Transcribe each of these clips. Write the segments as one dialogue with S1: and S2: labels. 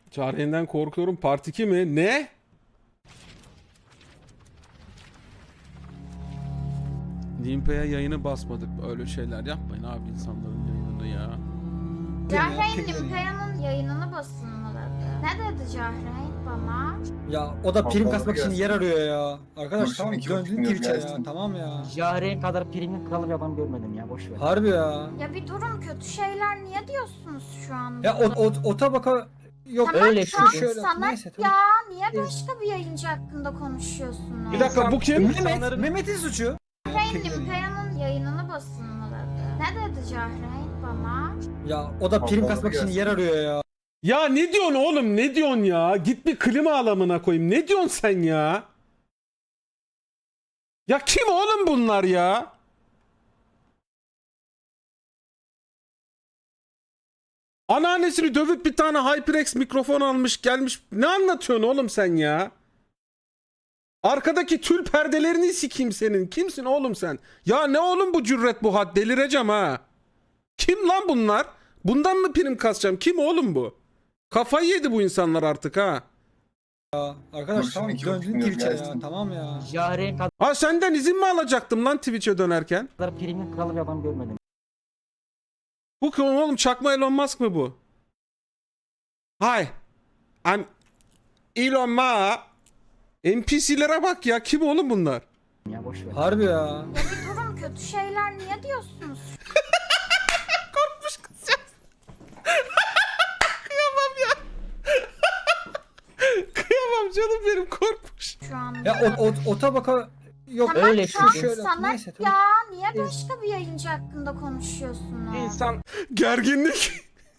S1: Cahreyn'den korkuyorum. Part 2 mi? Ne? Nimpe'ye yayını basmadık. Öyle şeyler yapmayın abi insanların yayınını ya.
S2: Cahreyn Nimpea'nın yayınını basın mı dedi? Ne dedi Cahreyn bana?
S3: Ya o da prim
S4: Allah
S3: kasmak için
S4: gelsin.
S3: yer arıyor ya. Arkadaş
S4: Kurşun
S3: tamam
S4: 2,5
S3: döndün
S4: milyon
S3: Twitch'e ya.
S4: gelsin.
S3: Tamam ya.
S5: Jahreyn kadar primin kralı bir adam görmedim ya, boş ver.
S3: Harbi ya.
S2: Ya bir durun, kötü şeyler niye diyorsunuz şu anda?
S3: Ya o tabaka yok.
S2: Tamam,
S5: öyle
S2: şu an
S3: şöyle
S2: sana
S3: neyse tamam.
S2: ya niye başka bir yayıncı hakkında konuşuyorsunuz?
S1: Bir dakika bu kim?
S3: Mehmet'in suçu.
S2: Cahreyn Nimpea'nın yayınını basın mı dedi? Ne dedi Cahreyn bana?
S3: Ya o da prim
S4: Allah
S3: kasmak için
S4: gelsin.
S3: yer arıyor ya.
S1: Ya ne diyorsun oğlum? Ne diyorsun ya? Git bir klima alamına koyayım. Ne diyorsun sen ya? Ya kim oğlum bunlar ya? Anneannesini dövüp bir tane HyperX mikrofon almış gelmiş. Ne anlatıyorsun oğlum sen ya? Arkadaki tül perdelerini sikeyim senin. Kimsin oğlum sen? Ya ne oğlum bu cüret bu had? Delireceğim ha. Kim lan bunlar? Bundan mı prim kasacağım? Kim oğlum bu? Kafayı yedi bu insanlar artık ha.
S3: Arkadaş
S4: Kurşun
S3: tamam
S4: 2,5
S3: döndün
S4: milyon
S3: Twitch'e ya.
S4: gelsin.
S3: Tamam ya.
S5: Jahreyn
S1: Ha senden izin mi alacaktım lan Twitch'e dönerken?
S5: kadar primin kralı bir adam görmedim.
S1: Bu kim oğlum? Çakma Elon Musk mı bu? Hi. I'm Elon Musk. NPC'lere bak ya. Kim oğlum bunlar?
S5: Ya boş ver.
S3: Harbi ya.
S2: Ya bir durun, kötü şeyler niye diyorsunuz
S1: Korkmuş kızcağız. Kıyamam ya. Kıyamam canım benim, korkmuş.
S2: şu anda?
S3: Ya o tabaka yok.
S2: Tamam,
S5: öyle
S2: şu an
S3: şöyle
S2: sana
S3: neyse tamam.
S2: ya niye başka bir yayıncı hakkında konuşuyorsunuz?
S1: İnsan gerginlik.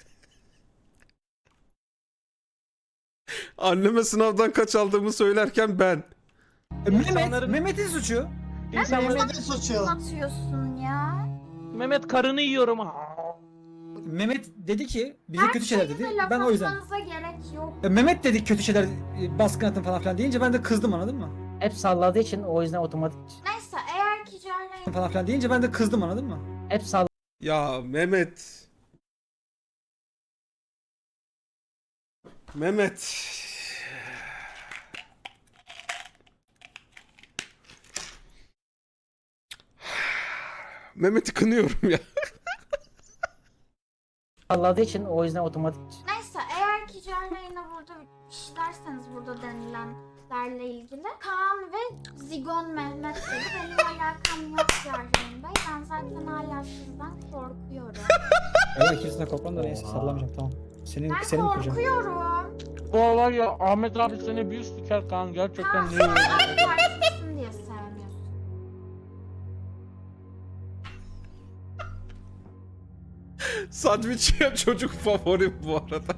S1: Anneme sınavdan kaç aldığımı söylerken ben.
S3: Mehmet'in suçu.
S6: Mehmet'in suçu.
S2: Atıyorsun ya.
S7: Mehmet karını yiyorum.
S3: Mehmet dedi ki bize kötü şeyler dedi.
S2: Şeyine laf
S3: Ben o yüzden.
S2: atmanıza gerek yok.
S3: Mehmet dedi kötü şeyler baskın atın falan filan deyince ben de kızdım anladın mı?
S5: Hep salladığı için o yüzden otomatik
S2: Neyse, eğer ki Cahreyn
S3: Falan filan deyince ben de kızdım anladın mı?
S5: hep salladığı
S1: Ya Mehmet. Mehmet. Mehmet'i kınıyorum ya.
S5: için o yüzden otomatik
S2: Neyse, eğer ki Cahreyn'e burada işlerseniz burada denilenlerle ilgili Kaan ve Zigon Mehmet dedi. Benim alakam yok Cahreyn Bey. Ben zaten hala sizden korkuyorum.
S3: Evet ikisine korkmam da neyse sallamayacağım tamam. Senin
S2: Ben
S3: senin kuracağım.
S2: korkuyorum.
S7: Bu var ya, Ahmet abi seni bir siker kan, gerçekten
S2: Kaan,
S7: ne
S2: sen
S7: yiyor?
S2: AK Partilisin diye sevmiyorsun.
S1: Sandviç yiyen çocuk favorim bu arada.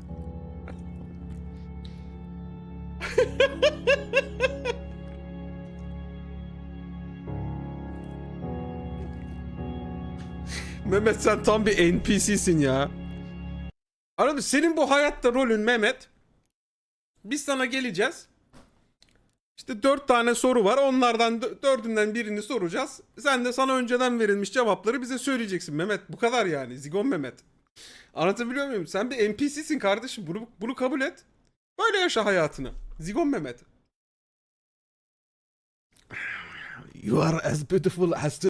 S1: Mehmet sen tam bir NPC'sin ya. Anladın, senin bu hayatta rolün Mehmet. Biz sana geleceğiz. İşte 4 tane soru var. Onlardan 4'ünden birini soracağız. Sen de sana önceden verilmiş cevapları bize söyleyeceksin Mehmet. Bu kadar yani. Zigon Mehmet. Anlatabiliyor muyum? Sen bir NPC'sin kardeşim. Bunu kabul et. Böyle yaşa hayatını. Zigon Mehmet. You are as beautiful as the